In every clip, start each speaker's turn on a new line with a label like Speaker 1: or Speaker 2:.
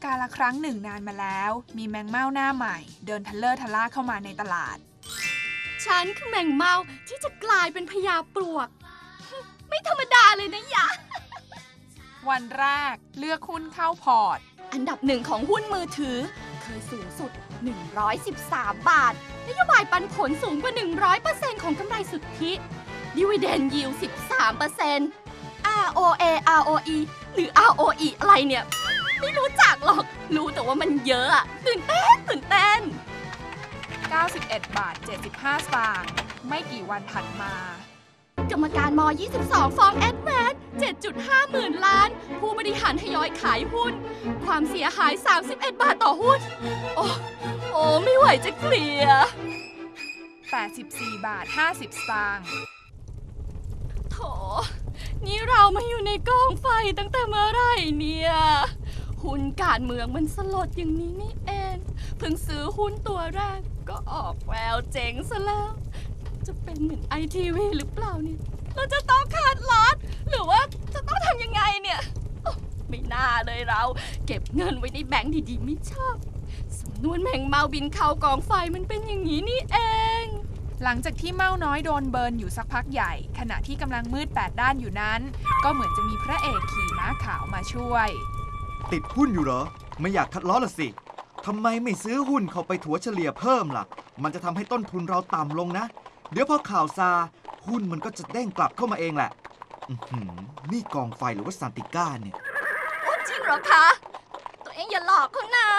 Speaker 1: าลครั้งหนึ่งนานมาแล้วมีแมงเม่าหน้าใหม่เดินทะเลอร์ทะล่าเข้ามาในตลาด
Speaker 2: ฉันคือแมงเม่าที่จะกลายเป็นพญาปลวกไม่ธรรมดาเลยนะยะ
Speaker 1: วันแรกเลือกหุ้นเข้าพอร์ต
Speaker 2: อันดับหนึ่งของหุ้นมือถือเคยสูงสุด113 บาทนโยบายปันผลสูงกว่า 100% ของกำไรสุทธิDividend Yield 13% ROA ROE หรือ ROE อะไรเนี่ยไม่รู้จักหรอกรู้แต่ว่ามันเยอะอะตื่นเต้น
Speaker 1: 91 บาท 75 สตางค์ไม่กี่วันถัดมาก
Speaker 2: รรมการม22ฟ้องแอดแวน7.5 หมื่นล้านผู้บริหารทยอยขายหุ้นความเสียหาย31 บาทต่อหุ้นโอ้ไม่ไหวจะเคลียร์
Speaker 1: 84 บาท 50 สตางค์
Speaker 2: โถนี่เรามาอยู่ในกองไฟตั้งแต่เมื่อไหร่เนี่ยหุ้นการเมืองมันสลดอย่างนี้นี่เองเพิ่งซื้อหุ้นตัวแรกก็ออกแววเจ๋งซะแล้วจะเป็นเหมือน ITV หรือเปล่าเนี่ยเราจะต้องขาดลอสหรือว่าจะต้องทำยังไงเนี่ยไม่น่าเลยเราเก็บเงินไว้ในแบงค์ดีๆไม่ชอบสำนวนแมงเม่าบินเข้ากองไฟมันเป็นอย่างนี้นี่เอง
Speaker 1: หลังจากที่เม่าน้อยโดนเบิร์นอยู่สักพักใหญ่ขณะที่กำลังมืด8ด้านอยู่นั้นก็เหมือนจะมีพระเอกขี่ม้าขาวมาช่วย
Speaker 3: ติดหุ้นอยู่เหรอไม่อยากคัดล้อละสิทำไมไม่ซื้อหุ้นเข้าไปถัวเฉลี่ยเพิ่มล่ะมันจะทำให้ต้นทุนเราต่ำลงนะเดี๋ยวพอข่าวซาหุ้นมันก็จะเด้งกลับเข้ามาเองแหละนี่กองไฟหรือว่าซานติก้าเนี่ย
Speaker 2: จริงเหรอคะตัวเองอย่าหลอกเขานะ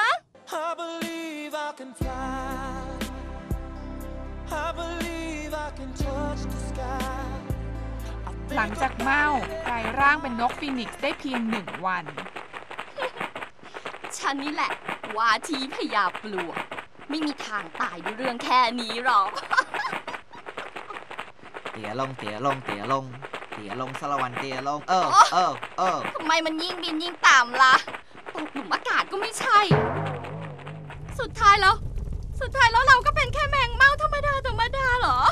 Speaker 1: หลังจากเม่ากลายร่างเป็นนกฟีนิกซ์ได้เพียง1 วัน
Speaker 2: ฉันนี่แหละว่าที่พญาปลวกไม่มีทางตายด้วยเรื่องแค่นี้หรอก
Speaker 3: เตี๋ยลงเตี๋ยลงเตี๋ยลงเตี๋ยลงสารวันเตี๋ยลง
Speaker 2: ทำไมมันยิ่งบินยิ่งต่ำล่ะตกหลุมอากาศก็ไม่ใช่สุดท้ายแล้วเราก็เป็นแค่แมงเม่าธรรมดาเหรอ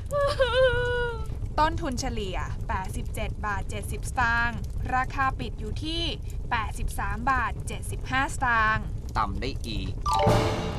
Speaker 1: ต้นทุนเฉลี่ย87 บาท 70 สตางค์ราคาปิดอยู่ที่83 บาท 75 สตางค์
Speaker 3: ต่ำได้อีก